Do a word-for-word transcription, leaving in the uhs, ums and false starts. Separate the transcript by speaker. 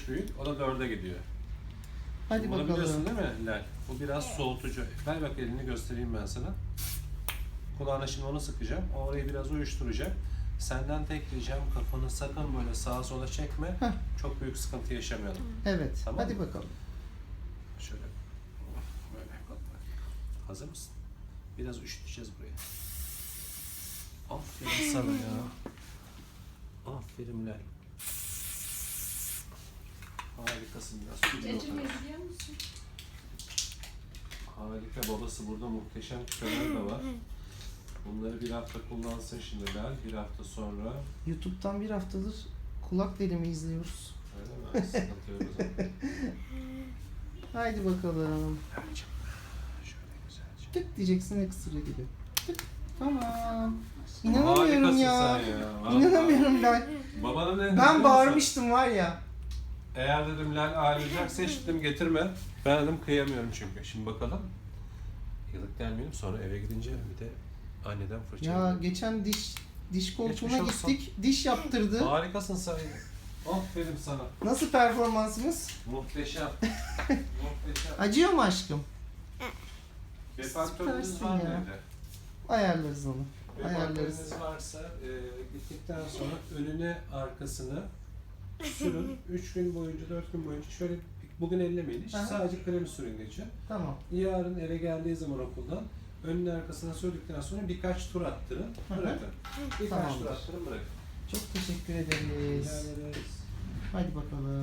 Speaker 1: beş büyük, o da dörde gidiyor.
Speaker 2: Hadi
Speaker 1: Bunu biliyorsun
Speaker 2: bakalım.
Speaker 1: değil mi Lal? Bu biraz soğutucu. Ver bak elini göstereyim ben sana. Kulağına şimdi onu sıkacağım. Orayı biraz uyuşturacağım. Senden tek ricam kafanı sakın böyle sağa sola çekme.
Speaker 2: Heh.
Speaker 1: Çok büyük sıkıntı yaşamayalım.
Speaker 2: Evet.
Speaker 1: Tamam
Speaker 2: Hadi
Speaker 1: mı?
Speaker 2: bakalım.
Speaker 1: Şöyle böyle bak bak. Hazır mısın? Biraz üşüteceğiz burayı. Aferin sana ya. Aferin Lal. Harikasın, biraz su gibi
Speaker 3: Cacım
Speaker 1: oldu.
Speaker 3: izliyor musun?
Speaker 1: Harika, babası burada muhteşem küpeler de var. Bunları bir hafta kullansın şimdi Lal, bir hafta sonra.
Speaker 2: YouTube'dan bir haftadır kulak delimi izliyoruz.
Speaker 1: Öyle mi? Sıkıntı yok o zaman.
Speaker 2: Haydi bakalım.
Speaker 1: Erçim, şöyle güzelce.
Speaker 2: Tık diyeceksin ekstra gibi. Tık. Tamam. İnanamıyorum
Speaker 1: Harikasın
Speaker 2: ya.
Speaker 1: sen ya. Vallahi.
Speaker 2: İnanamıyorum Lal.
Speaker 1: Babana ne dedim?
Speaker 2: Ben bağırmıştım var ya.
Speaker 1: Eğer dedim Lal ağlayacaksa hiç dedim getirme. Ben dedim kıyamıyorum çünkü. Şimdi bakalım. Yıllık gelmeyelim, sonra eve gidince bir de anneden fırça.
Speaker 2: Ya geçen diş diş koltuğuna
Speaker 1: Geçmiş olsun.
Speaker 2: gittik. Diş yaptırdı.
Speaker 1: Harikasın sen ya. Aferin sana.
Speaker 2: Nasıl performansımız?
Speaker 1: Muhteşem. Muhteşem.
Speaker 2: Acıyor mu aşkım?
Speaker 1: Defaktörünüz
Speaker 2: Süpersin
Speaker 1: var mı
Speaker 2: ya.
Speaker 1: evde?
Speaker 2: Ayarlarız onu. Ayarlarız.
Speaker 1: Defaktörünüz varsa e, gittikten sonra önüne arkasını sürün. üç gün boyunca, dört gün boyunca şöyle bugün ellemeyin hiç.
Speaker 2: Aha.
Speaker 1: Sadece kremi sürün gece.
Speaker 2: Tamam.
Speaker 1: Yarın eve geldiği zaman okuldan önüne arkasına sürdükten sonra birkaç tur attırın,
Speaker 2: Hı hı.
Speaker 1: bırakın. Birkaç
Speaker 2: Tamamdır.
Speaker 1: tur attırın, bırakın.
Speaker 2: Çok teşekkür ederiz.
Speaker 1: Rica ederiz.
Speaker 2: Hadi bakalım.